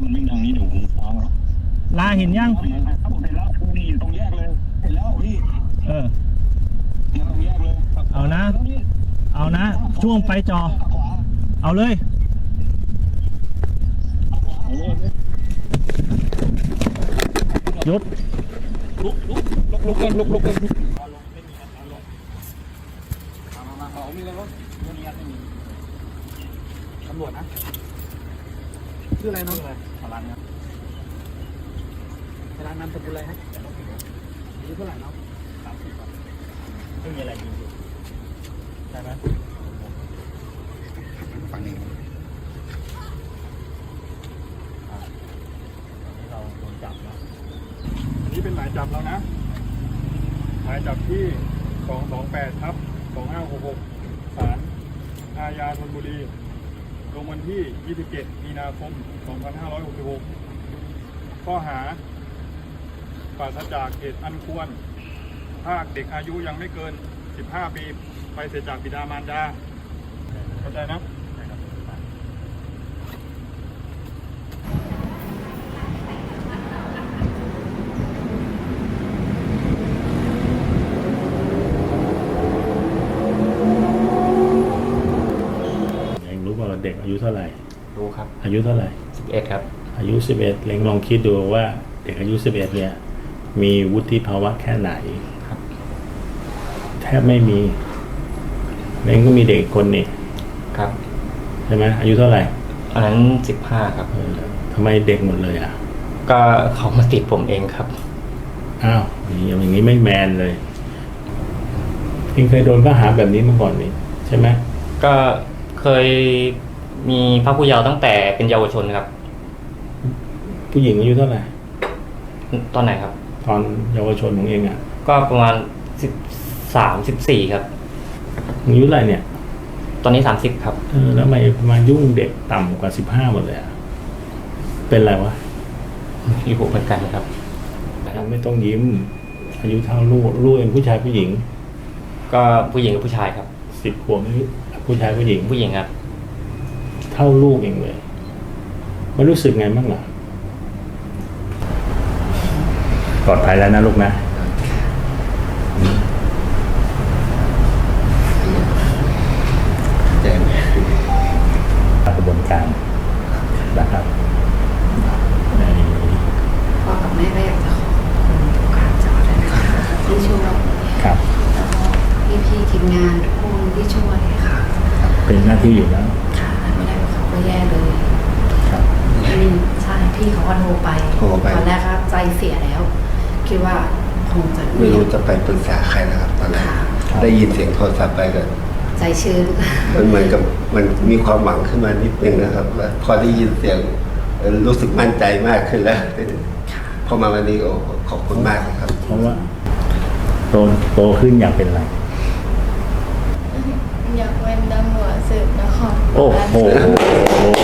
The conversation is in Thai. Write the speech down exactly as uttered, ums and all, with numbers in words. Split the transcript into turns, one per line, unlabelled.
มันวิ่งทางนี้เดี๋ยวผมฟ้อง
ลาเห็นยัง
ผมเห็นแล้วนี่อยู่ตรงแยกเลยเห็นแล้วพี่
เออ
ตรงแยกเลย
เอานะเอานะช่วงไปจอเอาเลยหยุด
ลุกลุกลุกลุกกันลุกลุกกันไม่มีครับลงมามาเอามีแล้วรถไม่มีครับไม่มีตำรวจนะชื่ออะไรน้องสารันครับสารันนามสกุลอะไรฮะอายุเท่าไหร่น้องสามสิบครับไม่มีอะไรจริงใช่ไหมฟังนี้เราโดนจับนะอันนี้เป็นหมายจับแล้วนะหมายจับที่สองสองแปดทับสองห้าหกหกศาลอาญาธนบุรีลงวันที่ยี่สิบเจ็ดมีนาคมสองพันห้าร้อยหกสิบหกข้อหาปราศจากเหตุอันควรพรากเด็กอายุยังไม่เกินสิบห้าปีไปเสียจากบิดามารดาเข้าใจนะเด็กอายุเท่าไหร่
รู้ครับ
อายุเท่าไหร่
สิบเอ็ดครับ
อายุสิบเอ็ดเล็งลองคิดดูว่าเด็กอายุสิบเอ็ดเนี่ยมีวุฒิภาวะแค่ไหน
ครับ
แทบไม่มีเล็งก็มีเด็กคนนี่
ครับ
ใช่ไหมอายุเท่าไหร่
อันนั้นสิบห้าครับ
ทำไมเด็กหมดเลยอ่ะ
ก็เขามาติดผมเองครับ
อ้าวอย่างนี้ไม่แมนเลยเองเคยโดนข้อหาแบบนี้มาก่อนนี่ใช่ไหม
ก็เคยมีพรรคผู้เยาว์ตั้งแต่เป็นเยาวชนครับ
ผู้หญิงอายุเท่าไหร่
ตอนไหนครับ
ตอนเยาวชนของเองอ่ะ
ก็ประมาณสิบสามสิบสี่ครับ
อายุเท่าไหร่เนี่ย
ตอนนี้สามสิบครับ
เออแล้วทำไมมายุ่งเด็กต่ำกว่าสิบห้าหมดเลยอ่ะเป็นไรวะ
อยู่เหมือนกันครับ
ไม่ต้องยิ้มอายุเท่าลูกลูกเองผู้ชายผู้หญิง
ก็ผู้หญิงกับผู้ชายครับ
สิบขวบผู้ชายผู้หญิง
ผู้หญิงครับ
เท่าลูกเองเลยมันรู้สึกไงบ้างล่ะปลอดภัยแล้วนะลูกนะแจ้งกระบวนการนะครับ
พ่อกับแม่ก็อยากจะขอการจอดเลยนะคะที่ช่วย
ครับ
แล้วก็พี่ๆทีมงานทุกคนที่ช่วยค่ะ
เป็นหน้าที่อยู่แล้ว
ค่ะไม่ได้เขาก็แย่เลย
ครับ
ใช่พี่เขาก็โทรไปตอนแรกก็ใจเสียแล้วคิดว่าคงจะ
ไม่รู้จะไปปรึกษาใครนะครับตอนแรกได้ยินเสียงโทรศัพท์ไปก็
ใจชื้น
มันเหมือนกับมันมีความหวังขึ้นมานิดนึงนะครับพอได้ยินเสียงรู้สึกมั่นใจมากขึ้นแล้วพอมาวันนี้โอ้ขอบคุณมากครับ
เพราะว่าโตโตขึ้นอยากเป็นอะไร
อยากเป็นตำรวจสืบนคร
โอ้โห